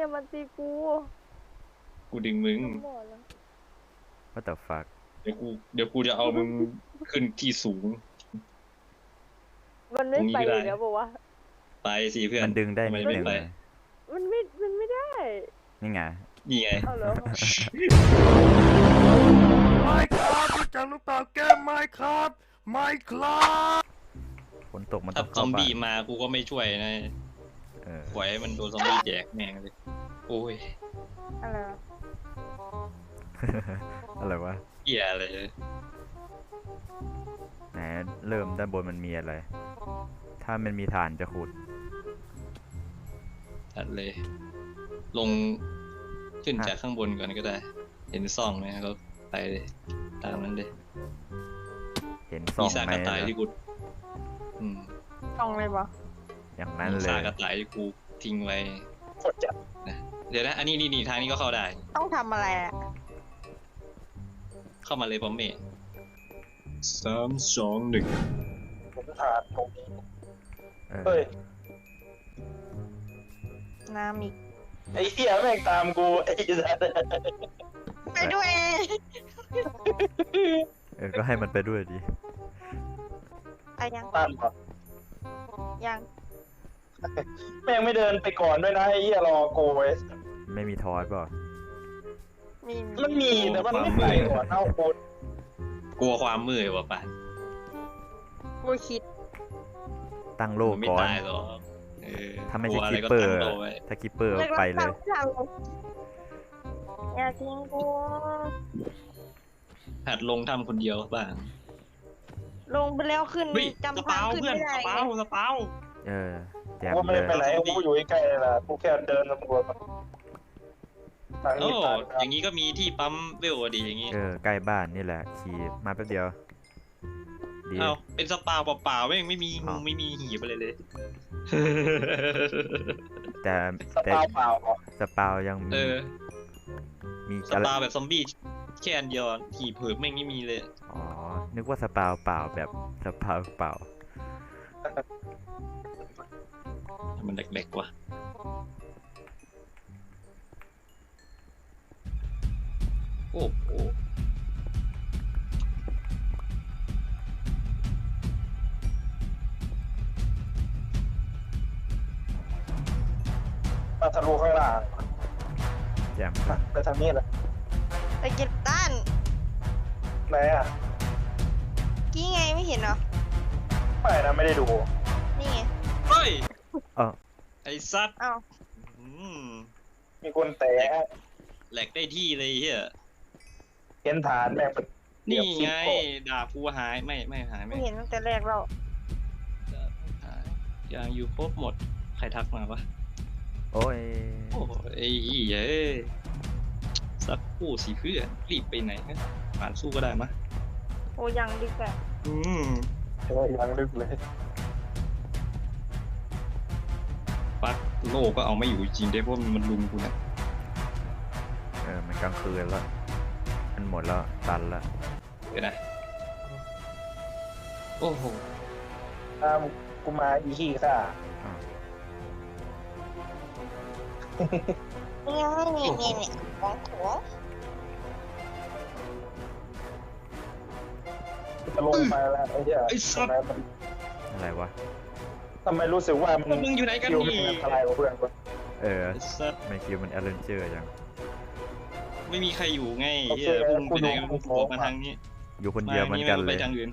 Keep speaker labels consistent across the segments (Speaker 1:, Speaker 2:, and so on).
Speaker 1: อย่ามาตีกู
Speaker 2: กูดึงมึง
Speaker 3: What the fuck
Speaker 2: เดี๋ยวกูจะเอามึงขึ้นที่สูง
Speaker 1: มันไม่ไปอยู่แล้วบอกว่า
Speaker 2: ไปสิเพื่อน
Speaker 3: มันดึงได้
Speaker 2: ทำไม
Speaker 3: นิด
Speaker 2: ไม่
Speaker 3: นึง
Speaker 2: ไป
Speaker 1: มันไม่ได้
Speaker 3: นี่ไง
Speaker 2: นี่ไง
Speaker 1: เอาเหรอ
Speaker 3: ไม่ครับรู้จักหรือเปล่าแก้มไม่ครับไม่ครับฝนตกมัน
Speaker 2: ถ้า
Speaker 3: ต้อง
Speaker 2: ซ
Speaker 3: เข้า
Speaker 2: อม
Speaker 3: บ้า
Speaker 2: บี้
Speaker 3: น
Speaker 2: มากูก็ไม่ช่วยนะ
Speaker 3: เออ
Speaker 2: ปล่อยให้มันโดนซอมบี้แจกแม่งเลยโอ้ย
Speaker 1: อะไรวะ
Speaker 3: อะไรวะ
Speaker 2: เหี้ยอะไรเลย
Speaker 3: ไหนเริ่มด้านบนมันมีอะไร ถ้ามันมีฐานจะขุด
Speaker 2: ตัดเลย ลงขึ้นจากข้างบนก่อนก็ได้ เห็นซ่องไหมก็ไปเลยตามนั้นเลย
Speaker 3: เห็นส่อ
Speaker 2: มี
Speaker 3: ง
Speaker 2: ซาก
Speaker 3: ไหม
Speaker 2: กระต่าย
Speaker 3: นะ
Speaker 2: ที่กูอืม
Speaker 1: ต้องเลยปะ
Speaker 3: อย่างนั้น
Speaker 2: มี
Speaker 3: เล
Speaker 2: ซาก
Speaker 3: ย
Speaker 2: กระต่ายที่กูทิ้งไว้
Speaker 4: โคตรจัด
Speaker 2: นะเดี๋ยวนะ อันนี้นี่ทางนี้ก็เข้าได้
Speaker 1: ต้องทำอะไรอ่ะ
Speaker 2: เข้ามาเลยพร้อมเมย์3 2 1
Speaker 4: ผมผ่านตรงนี้
Speaker 3: เออ
Speaker 4: เฮ้ย
Speaker 1: น้ำอีก
Speaker 4: ไอ้เหี้ยแม่งตามกูไอ้สัส
Speaker 1: ไปด้วย
Speaker 3: เออก็ให้มันไปด้วยดิ
Speaker 1: ไปยัง
Speaker 4: ตามก่อน
Speaker 1: ยัง
Speaker 4: แม่งไม่เดินไปก่อนด้วยนะไอ้เหี้ยรอกูไว้
Speaker 3: ไม่มีทอสเปล่า
Speaker 1: มี
Speaker 4: มันมีแต่มันไม่ไปก่อนเท่ากู
Speaker 2: กลัวความมืดว่ะป่ะ
Speaker 1: กูคิด
Speaker 3: ตั้งโล
Speaker 2: มันไม่
Speaker 3: ก่อน
Speaker 2: ตายหรอกเออ
Speaker 3: ถ้าไม่
Speaker 2: กลั
Speaker 3: ใช่
Speaker 2: วอะ
Speaker 3: คิ
Speaker 2: ไร
Speaker 3: ป
Speaker 2: ก็
Speaker 3: เปอ
Speaker 2: ตั้
Speaker 3: ร์
Speaker 2: งโตไว้
Speaker 3: ถ้าคิปเปอร์ไปเลย
Speaker 1: อย่าทิ้งกู
Speaker 2: หัดลงถ้ำคนเดียวบ้าง
Speaker 1: ลงไปแล้วขึ้น
Speaker 2: เฮ้ยส
Speaker 1: จำทา
Speaker 2: เปาง
Speaker 1: ขึ้น
Speaker 2: เพื่อน
Speaker 1: ไม่ได้
Speaker 2: สเปาสเปา
Speaker 3: เออแจม
Speaker 4: กูไม่
Speaker 3: เล
Speaker 4: ได้
Speaker 3: ย
Speaker 4: ไปไหนกูอยู่ใกล้ๆแหละกูแค่เดินสำรวจมันทาง
Speaker 2: โอ้
Speaker 4: นี้ผ่าน
Speaker 2: อย่างนี้ก็มีที่ปั๊มเวลอะดีอย่างนี้
Speaker 3: เออใกล้บ้านนี่แหละขี่มาแป๊บเดียวดี
Speaker 2: เอาเป็นสปาเปล่าๆไม่มี
Speaker 3: อ้าว
Speaker 2: ไม่มีหีบอะไรเลย
Speaker 3: แต่
Speaker 4: สปาเปล่าเหรอ
Speaker 3: สปาวยัง
Speaker 2: เออ
Speaker 3: มี
Speaker 2: สปาแบบซอมบี้แค่อันเดียวอะหีบเผิบแม่งไม่มีเลย
Speaker 3: อ๋อนึกว่าสปาวเปล่าแบบสปาวเปล่า
Speaker 2: มันเด็กๆว่ะโอ้โห
Speaker 4: มาทะลุข้างล่าง
Speaker 3: แจม
Speaker 4: ไปทางนี้เลย
Speaker 1: ไปเก็บต้าน
Speaker 4: ไหนอ่ะ
Speaker 1: กี้ไงไม่เห็นเหรอ
Speaker 4: ไม่นะไม่ได้ดู
Speaker 1: นี่ไง
Speaker 2: เฮ้ย
Speaker 3: เออ
Speaker 2: ไอ้ซัด
Speaker 1: อ้าว
Speaker 2: อืม
Speaker 4: มีคนแตะ
Speaker 2: แหลกได้ที่เลยเฮีย
Speaker 4: เห็นฐานแม่งเป็น
Speaker 2: นี่ไง
Speaker 4: เดี๋ยว
Speaker 2: ดาบกูหายไม่หาย
Speaker 1: ไม่
Speaker 2: ไม่
Speaker 1: เห็นตั้งแต่แรกเรา
Speaker 2: หายยังอยู่ครบหมดใครทักมาปะ
Speaker 3: โอ้ย
Speaker 2: โอ้ไอ้เหี้ยเอ้ยสักคู่สิเพื่อนรีบไปไหนฮะผ่านสู้ก็ได้มะ
Speaker 1: โอ้ยังดีกว่า
Speaker 2: อืม
Speaker 4: เออยังลึกเลย
Speaker 2: ปักโลกก็เอาไม่อยู่จริงได้เพราะมันลุมกูนะ
Speaker 3: เออมันกลางคืนแล้วมันหมดแล้วตันแล้ว
Speaker 2: เดี๋ยวนะโอ้โห
Speaker 4: ตามกูมาอีขี้ค่ะ
Speaker 3: อ้าว
Speaker 1: เนี่ยของของ
Speaker 4: จะลงไปแล้วไอ้เหี้ยทำไมมัน
Speaker 3: อะไรวะ
Speaker 4: ทำไมรู้สึกว่า
Speaker 2: พวกมึงอยู่ไหนกัน
Speaker 4: คิว
Speaker 2: นี่
Speaker 4: มันอะไรกว่าเพื่อนกู
Speaker 3: เออ
Speaker 2: ไอ้สัส
Speaker 3: ไม่คิดมันแอดเวนเจอร์ยัง
Speaker 2: ไม่มีใครอยู่ไงเฮียพวกมึงไปไหนกันพวกมึงบอกมาทางนี้
Speaker 3: อยู่คนเดียวเหมือนกัน
Speaker 2: มา
Speaker 3: เล
Speaker 2: ไป
Speaker 3: ย
Speaker 2: ทางอื่น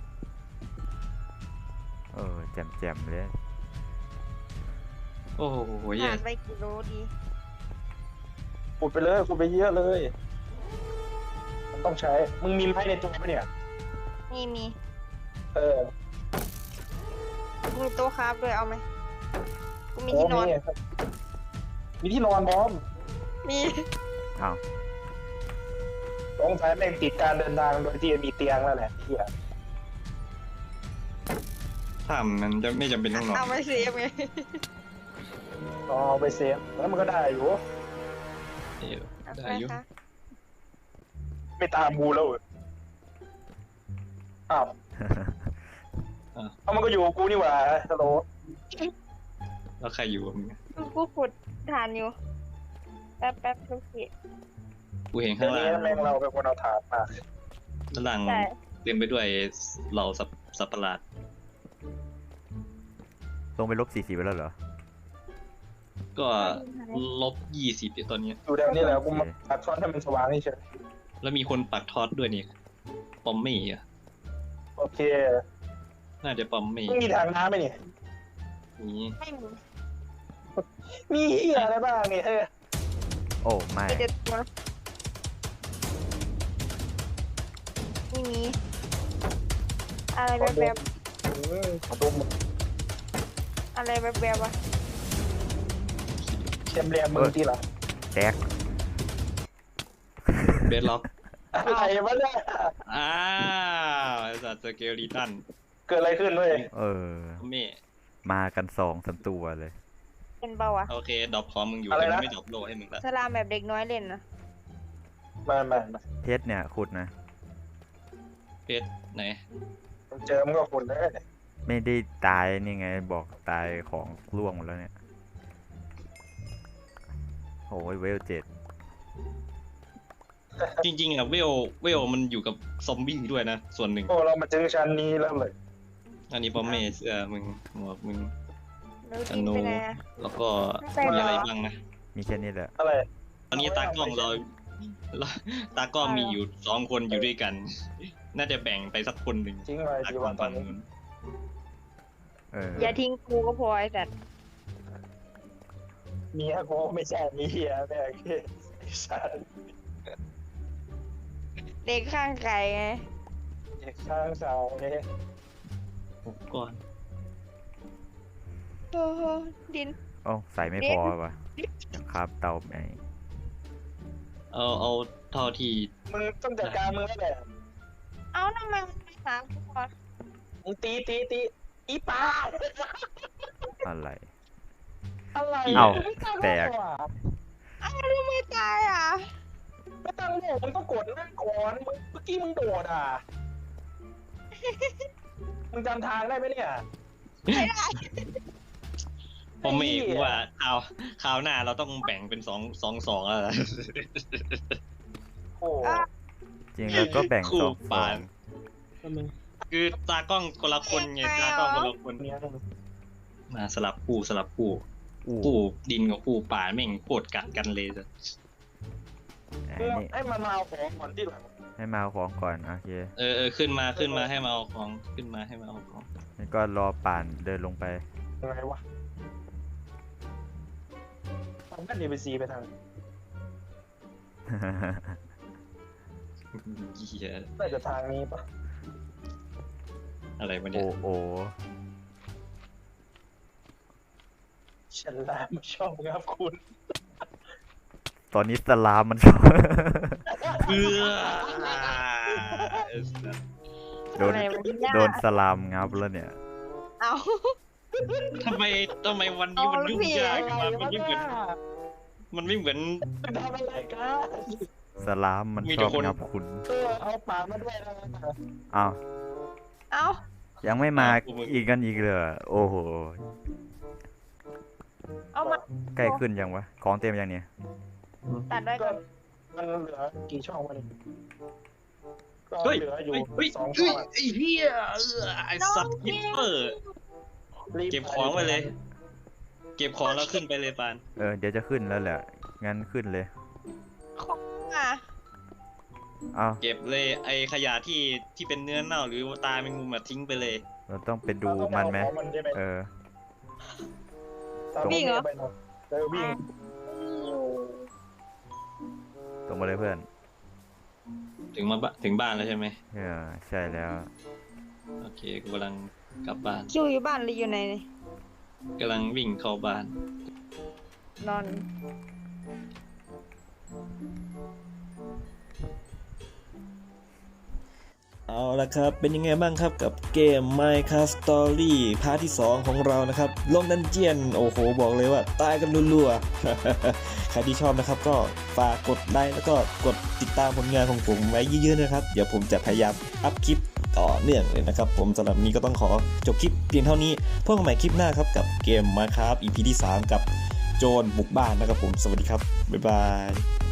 Speaker 3: เออแจมเลย
Speaker 2: โอ้โหเหี้ย
Speaker 1: ผ่านไปกี่โลดี
Speaker 4: ขุดไปเลยขุดไปเยอะเลย มันต้องใช้ มึงมีไม้ในตัวปะเนี่ย
Speaker 1: นี่มี
Speaker 4: เออ
Speaker 1: กูมีโต๊ะคราฟด้วยเอาไหมกูมี
Speaker 4: โอ้
Speaker 1: ที่นอน
Speaker 4: มีที่นอนบอม
Speaker 1: มี
Speaker 3: อ้าว
Speaker 4: ต้องใช้แม่งติดการเดินทางโดยที่มีเตียงแล้วแหละเฮีย
Speaker 2: ถ้ำมันจะไม่จำเป็นต้องนอน
Speaker 1: เอาไปเซฟไง
Speaker 4: เอาไปเซฟแล้วมันก็ได้อยู่
Speaker 2: เออได้อยู่
Speaker 1: คะ
Speaker 4: ไม่ตามกูแล้วเหรออ้าวเอามันก็อยู่กับกูนี่หว่าฮัลโหล
Speaker 2: แล้วใครอยู่กับมึง
Speaker 1: กูขุดฐานอยู่แป๊บทุกที
Speaker 2: กูเห็น
Speaker 4: เดี๋
Speaker 2: ข้าย ง
Speaker 4: ว
Speaker 2: ล่าง
Speaker 4: นี้แม่งเราเป็นคนเอาถาดมา
Speaker 2: ข้างล่าง
Speaker 1: ใช่
Speaker 2: เต็มไปด้วยเหล่าสัตว์ประหลาด
Speaker 5: ลงไป-40ไปแล้วเหรอ
Speaker 2: ก็-20อยู่ตอนเนี้ย
Speaker 4: อยู่แถวนี้แหละกูมาปัดซ้อนให้มันสว่างนี่เฉย
Speaker 2: แล้วมีคนปักทอดด้วยนี่ปอมมี่อ่ะ
Speaker 4: โอเค
Speaker 2: น่าจะปอมมี่
Speaker 4: มึงมีถังน้ำไหมเนี่ย
Speaker 2: นี่
Speaker 1: ไม่มี
Speaker 4: มีเหี้ยอะไรบ้างเนี่ย
Speaker 5: โอ้ไม่
Speaker 1: มีแต่ตัวไม่มีอะไรแบบ
Speaker 4: ขอดม
Speaker 1: ๆอะไรแบบๆวะ
Speaker 4: เต็มเรียมมือที่ละ
Speaker 5: แตก
Speaker 2: เบสล็อก
Speaker 4: อะไรวะเนี่ย
Speaker 2: อ้าวไอ้สัตว์สเกลลีตัน
Speaker 4: เกิดอะไรขึ้นเว้ย
Speaker 5: เออ
Speaker 2: ปอมมี่
Speaker 5: มากัน2-3ตัวเลย
Speaker 1: เป็นเบาอะ
Speaker 2: โอเคดรอปของมึงอยู่แต่มันไม่ดรอปโลให้มึงละ
Speaker 1: สลามแบบเด็กน้อยเล่นนะ
Speaker 4: มา
Speaker 5: เพชรเนี่ยขุดนะ
Speaker 2: เพชรไหน
Speaker 4: เจอมันก็คนได้เนี่ย
Speaker 5: ไม่ได้ตายนี่ไงบอกตายของร่วงหมดแล้วเนี่ยโอ้ยเวล7
Speaker 2: จริงๆอ่ะเวลมันอยู่กับซอมบี้ด้วยนะส่วนหนึ่ง
Speaker 4: โอ้เรามาถึงชั้นนี้แล้วเลย
Speaker 2: อันนี้ปอมมี่เสื้อมึงหมวกมึง
Speaker 1: แล้วดินไปไหนอะ
Speaker 2: แล้วก็
Speaker 1: ใส่เหรอ
Speaker 2: มีอะไรบ้างนะ
Speaker 5: มีแค่นี้แหละ
Speaker 4: อะไร
Speaker 2: ตอนนี้ตากล้องเราตากล้องมีอยู่2 คนอยู่ด้วยกัน น่าจะแบ่งไปสักคนหนึ่ง
Speaker 4: จริงเลย
Speaker 2: ตา
Speaker 4: ดี
Speaker 2: กล้อ
Speaker 4: วั
Speaker 2: ง
Speaker 4: นตอ
Speaker 2: ฝั่
Speaker 4: น
Speaker 2: ง
Speaker 4: นี้
Speaker 2: นู้น
Speaker 1: อย่าทิ้งกูก็พอไอ้สัตว์
Speaker 4: เมียกูไม่ใช่เมียแม่งไอ้สัส
Speaker 1: เด็กข้างไก่ไง
Speaker 4: เด็กข้างสาวเนี่ย
Speaker 2: ก่อน
Speaker 1: โอ้โหดิน
Speaker 5: โอ้ใส่ไม่พอวะครับเตาไหน
Speaker 2: เอาเท่าที่
Speaker 4: มึงต้องจัดการมึงแล้วแหละ
Speaker 1: เอ้าทำไมมันไม่หากูวะ
Speaker 4: มึงตีอีป้า
Speaker 5: อะไร
Speaker 4: อะไร
Speaker 5: เอ้า
Speaker 4: ไม่ตั้ง
Speaker 5: แตก
Speaker 4: โล่อะ
Speaker 1: อ้าวทำไมตายอ่ะ
Speaker 4: ไม่ตั้งโล่มึงต้องกดนั่นก่อนมึงเมื่อกี้มึงโดดอ่ะ มึงจำทางได้ไหมเนี่ย
Speaker 2: ผมเอกว่าคราวหน้าเราต้องแบ่งเป็น2แล้วล่ะ
Speaker 4: โอ้
Speaker 5: จริงแล้วก็แบ่ง
Speaker 2: คู่
Speaker 5: สอง
Speaker 2: ปาน คือตากล้องคนละคนไงตากล้องคนละคน
Speaker 4: เนี่ย
Speaker 2: มาสลับคู่
Speaker 5: อู้
Speaker 2: คู่ดินกับคู่ป่าแม่งโคตรกัดกันเลยจ้ะ
Speaker 5: อันนี้
Speaker 4: ให้มันมาเอาของก่อนที่หลัง
Speaker 5: ให้มาเอาของก่อนโอเค
Speaker 2: ขึ้นมาให้มาเอาของขึ้นมาให้มาเอาของ
Speaker 5: แล้วก็รอป่านเดินลงไป
Speaker 4: ยังไงวะทำกันดีไปซีไปทาง
Speaker 2: เหี้ย
Speaker 4: น่าจะทางนี้ปะ
Speaker 2: อะไรวะ
Speaker 5: โอ้
Speaker 2: เนี่ย
Speaker 5: โอ
Speaker 4: ฉันลาไม่ชอบครับคุณ
Speaker 5: ตอนนี้สลามมันชอบ
Speaker 2: เบื่อ
Speaker 5: โดน
Speaker 1: อะไรวะเนี่ย
Speaker 5: โดนสลามงับแล้วเนี่ย
Speaker 1: เอ้า
Speaker 2: ทำไมวันนี้มันยุ่งยากมามันไม่เหมือน มันไม่เหมือน
Speaker 4: ทำอะไรกัน
Speaker 5: สลามมัน
Speaker 2: มี
Speaker 5: ช
Speaker 2: แต่
Speaker 5: อบ
Speaker 2: คน
Speaker 5: งับคุณ
Speaker 4: เอาปากมาด้วยนะ
Speaker 5: อ้าว
Speaker 1: เอ้า
Speaker 5: ยังไม่มา
Speaker 2: กูมึง
Speaker 5: อีกกันอีกเลยเหรอโอ้โห
Speaker 1: เอามา
Speaker 5: ใกล้ขึ้นยังวะ ของเต็มยังเนี่ย
Speaker 1: ตัดไว้
Speaker 4: ก็
Speaker 1: ก่อน
Speaker 4: มันเหลือกี่ช่องวะเนี่ยก็
Speaker 2: เฮ้ย
Speaker 4: เหลืออยู่
Speaker 2: เฮ้ย
Speaker 4: 2 ช่องอะ
Speaker 2: ไอ้เหี้ยไอ้สัตว์ยิปเปอร์
Speaker 4: รีบ
Speaker 2: เก็บของไว้เลย เก็บของแล้วขึ้นไปเลยปาน
Speaker 5: เดี๋ยวจะขึ้นแล้วแหละ งั้นขึ้นเลย
Speaker 1: ของอ่ะ
Speaker 5: อ้าว
Speaker 2: เก็บเลยไอ้ขยะที่เป็นเนื้อเน่าหรือตาแมงมุมอะทิ้งไปเลย
Speaker 5: เราต้องไปดูมันไหม
Speaker 4: เอาของมันใช่ไหม
Speaker 1: วิ่งเหรอ
Speaker 4: วิ่ง
Speaker 5: ตรงมาเลยเพื่อน
Speaker 2: ถึงบ้านแล้วใช่ไหม
Speaker 5: ใช่แล้ว
Speaker 2: โอเคกูกำลังกลับบ้าน
Speaker 1: คิวอยู่บ้านหรืออยู่ไหนนี่
Speaker 2: กำลังวิ่งเข้าบ้าน
Speaker 1: นอน
Speaker 6: เอาละครับ เป็นยังไงบ้างครับกับเกม Minecraft Story พาร์ทที่ 2 ของเรานะครับ ลงดันเจียน โอ้โห บอกเลยว่าตายกันรัวๆ ใครที่ชอบนะครับก็ฝากกดไลค์แล้วก็กดติดตามผลงานของผมไว้เยอะๆนะครับ เดี๋ยวผมจะพยายามอัพคลิปต่อเนื่องเลยนะครับ ผมสำหรับนี้ก็ต้องขอจบคลิปเพียงเท่านี้พบกันใหม่คลิปหน้าครับกับเกม Minecraft EP ที่ 3 กับโจรบุกบ้านนะครับผมสวัสดีครับบ๊ายบาย